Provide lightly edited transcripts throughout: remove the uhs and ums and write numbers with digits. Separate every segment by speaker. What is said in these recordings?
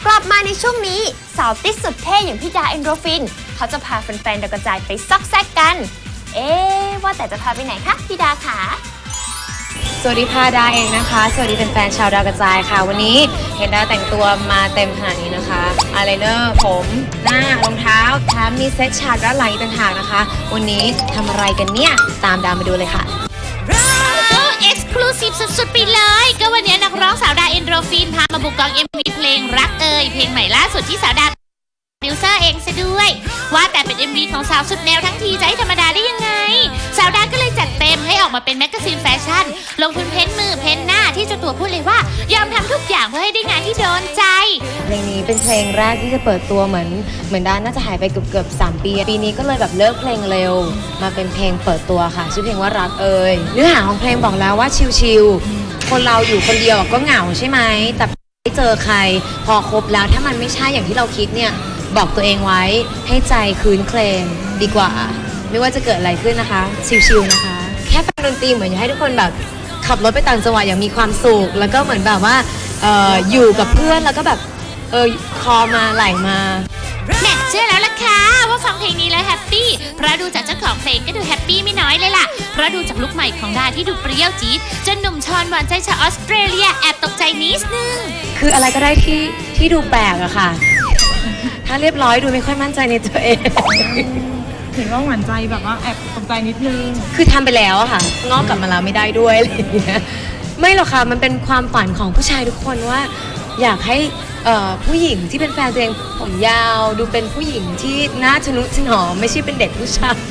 Speaker 1: กลับมาในช่วงนี้สาวติดสุดเท่อย่างพี่ดาเอนโดรฟินเขาจะพาแฟนๆดาวกระจายไปซอกแซกกันว่าแต่จะพาไปไหนคะพี่ดาคะ
Speaker 2: สวัสดีค่ะดาเองนะคะสวัสดีแฟนๆชาวดาวกระจายค่ะวันนี้เห็นดาแต่งตัวมาเต็มขนาดนี้นะคะอายไลเนอร์ผมหน้ารองเท้าแถมมีเซ็ตฉากด้านหลังอีกต่างหากนะคะวันนี้ทำอะไรกันเนี่ยตามดามาดูเลยค่ะ
Speaker 3: เอ็กซ์คลูซีฟสุดๆไปเลยก็วันนี้นักร้องสาวดาเอนโดรฟินพามาบุกกอง MV เพลงรักเพลงใหม่ล่าสุดที่สาวดาโปรดิวเซอร์เองซะด้วยว่าแต่เป็น MV ของสาวสุดแนวทั้งทีจะให้ธรรมดาได้ยังไงสาวดาก็เลยจัดเต็มให้ออกมาเป็นแมกกาซีนแฟชั่นลงทุนเพ้นมือเพ้นหน้าที่เจ้าตัวพูดเลยว่ายอมทำทุกอย่างเพื่อให้ได้งานที่โดนใจ
Speaker 2: เพลงนี้เป็นเพลงแรกที่จะเปิดตัวเหมือนดาน่าจะหายไปเกือบ3 ปีนี้ก็เลยแบบเลิกเพลงเร็วมาเป็นเพลงเปิดตัวค่ะชื่อเพลงว่ารักเนื้อหาของเพลงบอกแล้วว่าชิลๆคนเราอยู่คนเดียวก็เหงาใช่ไหมแต่ไม่เจอใครพอคบแล้วถ้ามันไม่ใช่อย่างที่เราคิดเนี่ยบอกตัวเองไว้ให้ใจคืนเคลงดีกว่าไม่ว่าจะเกิดอะไรขึ้นนะคะชิลๆนะคะแค่ฟังดนตรีเหมือนอยากให้ทุกคนแบบขับรถไปต่างจังหวัดอย่างมีความสุขแล้วก็เหมือนแบบว่าอยู่กับเพื่อนแล้วก็แบบคอมาไหลมา
Speaker 3: แม่เชื่อแล้วล่ะค่ะว่าฟังเพลงนี้แล้วแฮปปี้เพราะดูจากเจ้าของเพลงก็ดูแฮปปี้ไม่น้อยเลยล่ะเพราะดูจากลุคใหม่ของดาที่ดูเปรี้ยวจี๊ดจนหนุ่มชอนหวานใจชาวออสเตรเลียแอบตกใจนิดนึง
Speaker 2: คืออะไรก็ได้ที่ดูแปลกอะค่ะถ้าเรียบร้อยดูไม่ค่อยมั่นใจในตัวเอง
Speaker 4: เห็นว่าหวานใจแบบว่าแอบตกใจนิดนึง
Speaker 2: คือทำไปแล้วอะค่ะงอกกลับมาแล้วไม่ได้ด้วยอะไรอย่างเงี้ยไม่หรอกค่ะมันเป็นความฝันของผู้ชายทุกคนว่าอยากให้ผู้หญิงที่เป็นแฟนตัวเองผมยาวดูเป็นผู้หญิงที่น่าทะนุถนอมไม่ใช่เป็นเด็กผู้ชาย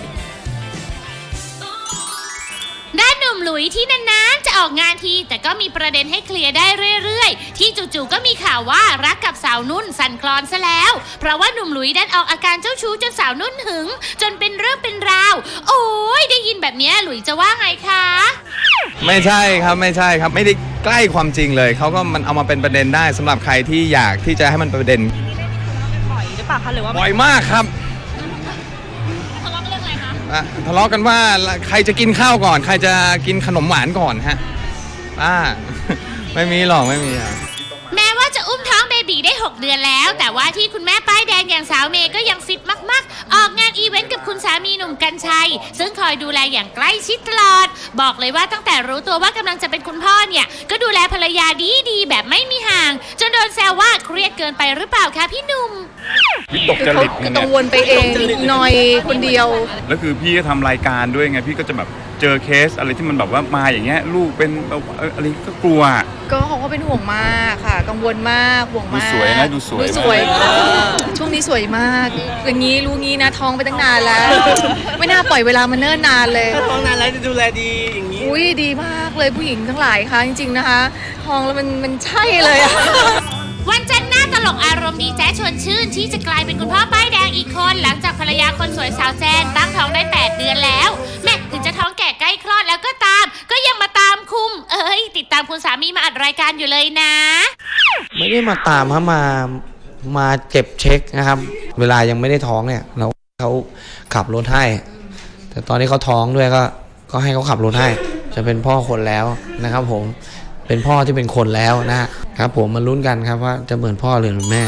Speaker 3: ด้านหนุ่มหลุยที่นานๆจะออกงานทีแต่ก็มีประเด็นให้เคลียร์ได้เรื่อยๆที่จู่ๆก็มีข่าวว่ารักกับสาวนุ่นสั่นคลอนซะแล้วเพราะว่าหนุ่มหลุยดันออกอาการเจ้าชู้จนสาวนุ่นหึงจนเป็นเรื่องเป็นราวโอ้ยได้ยินแบบนี้หลุยจะว่าไงคะ
Speaker 5: ไม่ใช่ครับไม่ได้ใกล้ความจริงเลยเขาก็มันเอามาเป็นประเด็นได้สำหรับใครที่อยากที่จะให้มันเป็นประเด็น
Speaker 4: บ่อยหรือเปล่าคะหรือว่า
Speaker 5: บ่อยมากครับ
Speaker 3: ทะเลาะกันเรื่องอะไรคะ
Speaker 5: ทะเลาะกันว่าใครจะกินข้าวก่อนใครจะกินขนมหวานก่อนฮะไม่มีหรอกไม่มีครับ
Speaker 3: แม้ว่าจะอุ้มท้องเบบีได้6 เดือนแล้วแต่ว่าที่คุณแม่ป้ายแดงอย่างสาวเมย์ก็ยังฟิตมากๆออกงานอีเวนต์กับคุณสามีหนุ่มกรรชัยซึ่งคอยดูแลอย่างใกล้ชิดตลอดบอกเลยว่าตั้งแต่รู้ตัวว่ากำลังจะเป็นคุณพ่อเนี่ยก็ดูแลภรรยาดีๆแบบไม่มีห่างจนโดนแซวว่าเครียดเกินไปหรือเปล่าคะพี่หนุ่ม
Speaker 5: วิตกจริต
Speaker 4: ก็ต้องวนไปเองหน่อยคนเดียว
Speaker 5: แล้วคือพี่ก็ทำรายการด้วยไงพี่ก็จะแบบเจอเคสอะไรที่มันแบบว่ามาอย่างเงี้ยลูกเป็นอะไรก็กลัว
Speaker 4: ก็เขาก็เป็นห่วงมากค่ะกังวลมากห่วงมาก
Speaker 5: ดูสวยนะดูสวย
Speaker 4: ช่วงนี้สวยมากอย่างนี้รู้งี้นะท้องไปตั้งนานแล้วไม่น่าปล่อยเวลามาเนิ่นนานเลย
Speaker 6: ท้องนานแล้วจะดูแลดีอย่างนี้
Speaker 4: อุ้ยดีมากเลยผู้หญิงทั้งหลายค่ะจริงๆนะคะท้องแล้วมันใช่เลยอะ
Speaker 3: วันจันทร์หน้าตลกอารมณ์ดีแจ๊ชวนชื่นที่จะกลายเป็นคุณพ่อป้ายแดงอีกคนหลังจากภรรยาคนสวยสาวแจนตั้งท้องได้8 เดือนแล้วแม่ถึงจะท้องแก่ใกล้คลอดแล้วก็ตามก็ยังมาตามคุมติดตามคุณสามีมาอัดรายการอยู่เลยนะ
Speaker 7: ไม่ได้มาตามฮะมาเก็บเช็คนะครับเวลายังไม่ได้ท้องเนี่ยเขาขับรถให้แต่ตอนที่เขาท้องด้วยก็ให้เขาขับรถให้จะเป็นพ่อคนแล้วนะครับผมเป็นพ่อที่เป็นคนแล้วนะครับผมมาลุ้นกันครับว่าจะเหมือนพ่อหรือเหมือนแม่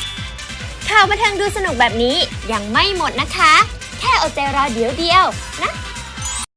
Speaker 1: ข่าวบันเทิงดูสนุกแบบนี้ยังไม่หมดนะคะแค่อดใจรอเดี๋ยวนะ